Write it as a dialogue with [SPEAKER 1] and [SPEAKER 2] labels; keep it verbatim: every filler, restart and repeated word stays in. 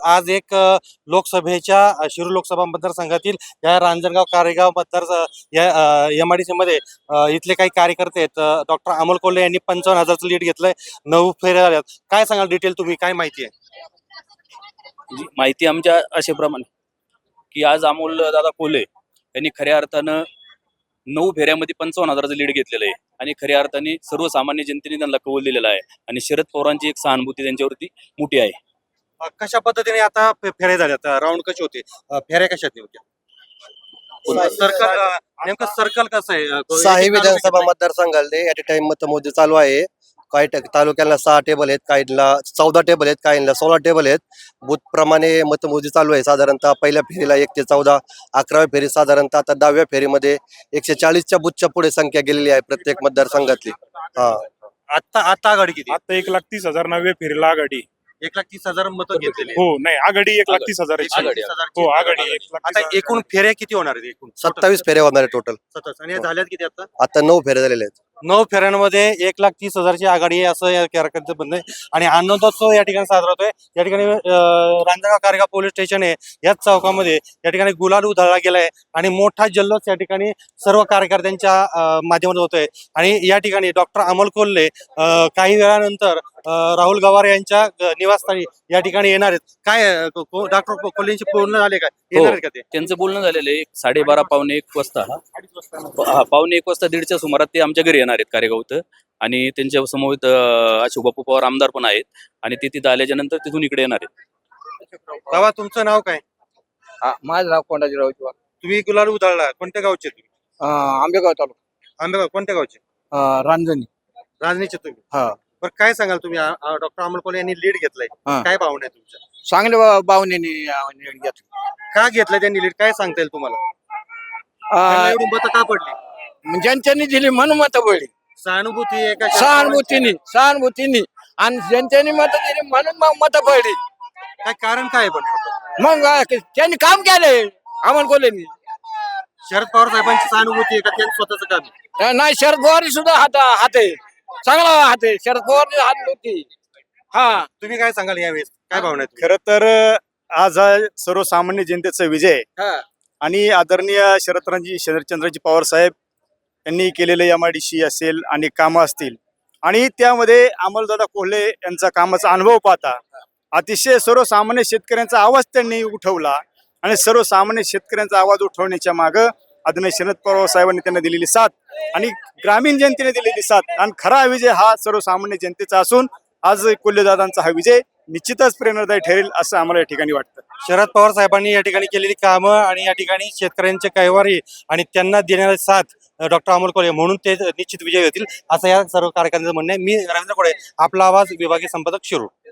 [SPEAKER 1] आज एक अ, लोकसभेच्या अ, शिरूर लोकसभा मतदारसंघातील या रांजणगाव कारेगाव मतदार या एम आय डी सी मध्ये अ, इथले काही कार्यकर्ते आहेत. डॉक्टर अमोल कोल्हे यांनी पंचावन्न हजारचं लीड घेतलंय. नऊ फेऱ्या झाल्यात. काय सांगाल डिटेल तुम्ही, काय माहिती आहे?
[SPEAKER 2] जी माहिती आमच्या अशाप्रमाणे की आज अमोल दादा कोल्हे यांनी खऱ्या अर्थानं नऊ फेऱ्यामध्ये पंचावन्न हजाराचं लीड घेतलेलं आहे आणि खऱ्या अर्थाने सर्वसामान्य जनतेने त्यांना कौल दिलेला आहे आणि शरद पवारांची एक सहानुभूती त्यांच्यावरती मोठी आहे.
[SPEAKER 1] अ, कशा पद्धतीने आता फे- फेऱ्या झाल्यात? राऊंड कशी होते? अ, फेऱ्या कशात होत्या? सर्कल अ, नेमकं सर्कल कसं आहे? अ,
[SPEAKER 3] साही
[SPEAKER 1] एक
[SPEAKER 3] विधानसभा
[SPEAKER 1] तालुक्यात
[SPEAKER 3] मतदारसंघाले ॲट ए टाइम मतमोजणी चालू आहे. काही ट- तालुक्यांना सहा टेबल आहेत, काहींना चौदा टेबल आहेत, काहींना सोळा टेबल आहेत. बूथ प्रमाणे मतमोजणी चालू आहे. साधारणतः पहिल्या फेरीला एक ते चौदा, अकराव्या फेरी साधारणतः आता दहाव्या फेरीमध्ये एकशे चाळीसच्या बूथच्या पुढे संख्या गेलेली आहे प्रत्येक मतदारसंघातली. हा
[SPEAKER 1] आता आता आघाडी किती?
[SPEAKER 4] आता एक लाख तीस हजार नव्या फेरीला आघाडी.
[SPEAKER 1] एक लाख तीस हजार मतं घेतलेली
[SPEAKER 4] हो नाही आघाडी एक लाख तीस हजार
[SPEAKER 1] एक लाख तीस हजारची.
[SPEAKER 4] हो आघाडी एक लाख
[SPEAKER 1] आता
[SPEAKER 4] तीस हजार.
[SPEAKER 1] एकूण फेऱ्या किती होणार आहेत? एकूण
[SPEAKER 3] सत्तावीस फेऱ्या होणार आहे टोटल.
[SPEAKER 1] सत्तावीस. आणि या झाल्यात किती आता?
[SPEAKER 3] आता नऊ फेऱ्या झालेल्या आहेत.
[SPEAKER 1] नऊ फेऱ्यांमध्ये एक लाख तीस हजारची आघाडी आहे असं या कार्यकर्त्यांचं म्हणणं आहे. आणि आनंदोत्सव या ठिकाणी साजरा होतोय. या ठिकाणी अं, रांजणगाव कारेगाव पोलीस स्टेशन आहे, याच चौकामध्ये या ठिकाणी गुलाल उधळला गेलाय आणि मोठा जल्लोष या ठिकाणी सर्व कार्यकर्त्यांच्या अं, माध्यमातून होतोय. आणि या ठिकाणी डॉक्टर अमोल कोल्हे अं, काही वेळानंतर अं, राहुल गवार यांच्या अं, निवासस्थानी या ठिकाणी येणार आहेत. काय अं, को- को- डॉक्टर कोल्हेंची पूर्ण झाले काय? येणार आहेत का ते?
[SPEAKER 2] त्यांचं बोलणं झालेलं आहे साडेबारा पावणे एक वाजता हा पावणे एक वाजता दीडच्या सुमारात ते आमच्या घरी येणार आहेत कारेगावत आणि त्यांच्या समोर अशोक बापू पवार आमदार पण आहेत आणि ते तिथं आल्याच्या नंतर तिथून इकडे येणार आहेत.
[SPEAKER 1] बाबा तुमचं नाव काय?
[SPEAKER 5] माझं नाव कोंडाजीराव चव्हाण.
[SPEAKER 1] तुम्ही गुलाल उधळला, कोणत्या गावचे तुम्ही?
[SPEAKER 5] आंबेगाव तालुका
[SPEAKER 1] आंबेगाव. कोणत्या गावचे?
[SPEAKER 5] रांजणी.
[SPEAKER 1] राजनीचे तुम्ही?
[SPEAKER 5] हा.
[SPEAKER 1] बरं काय सांगाल तुम्ही? डॉक्टर अमोल कोल्हे यांनी लीड घेतलाय,
[SPEAKER 5] हा.
[SPEAKER 1] काय भावना आहे तुमच्या?
[SPEAKER 5] चांगल्या बावनेने घेतलं.
[SPEAKER 1] का घेतलाय त्यांनी लीड, काय सांगता येईल तुम्हाला? त्यांना एवढी मतं का पडली?
[SPEAKER 5] ज्यांच्यानी दिली म्हणून मत पडली.
[SPEAKER 1] सहानुभूती आहे का?
[SPEAKER 5] सहानुभूतीने सहानुभूतीने आणि ज्यांच्यानी मत दिली म्हणून मग मत पडली.
[SPEAKER 1] काय कारण काय आहे पण?
[SPEAKER 5] मग आ, त्यांनी काम केलंय अमोल कोल्हेनी.
[SPEAKER 1] शरद पवार साहेबांची सहानुभूती आहे का त्यांचं स्वतःच काम आहे?
[SPEAKER 5] नाही शरद पवार सुद्धा हात हात आहे, चांगला हात आहे शरद पवार हात नव्हती. हा
[SPEAKER 1] तुम्ही काय सांगाल यावेळेस, काय भावना आहे?
[SPEAKER 4] खरं तर आज हा सर्वसामान्य जनतेचा विजय आहे.
[SPEAKER 5] हा.
[SPEAKER 4] आणि आदरणीय शरदराजी शरदचंद्रजी पवार साहेब यांनी केलेले एम आय डी सी असेल आणि कामं असतील आणि त्यामध्ये अमोलदादा कोल्हे यांचा कामाचा अनुभव पाहता अतिशय सर्वसामान्य शेतकऱ्यांचा आवाज त्यांनी उठवला आणि सर्वसामान्य शेतकऱ्यांचा आवाज उठवण्याच्या मागं आदरणीय शरद पवार साहेबांनी त्यांना दिलेली साथ आणि ग्रामीण जनतेने दिलेली साथ आणि खरा विजय हा सर्वसामान्य जनतेचा असून आज कोल्हेदादांचा हा विजय निश्चितच प्रेरणादायी ठरेल असं आम्हाला या ठिकाणी वाटतं.
[SPEAKER 1] शरद पवार साहेबांनी या ठिकाणी केलेली कामं आणि या ठिकाणी शेतकऱ्यांचे कैवारी आणि त्यांना देणारी साथ डॉक्टर अमोल कोल्हे म्हणून ते निश्चित विजय होतील असं या सर्व कार्यकर्त्यांचं म्हणणं आहे. मी रवींद्र कोळे, आपला आवाज, विभागीय संपादक, शिरूर.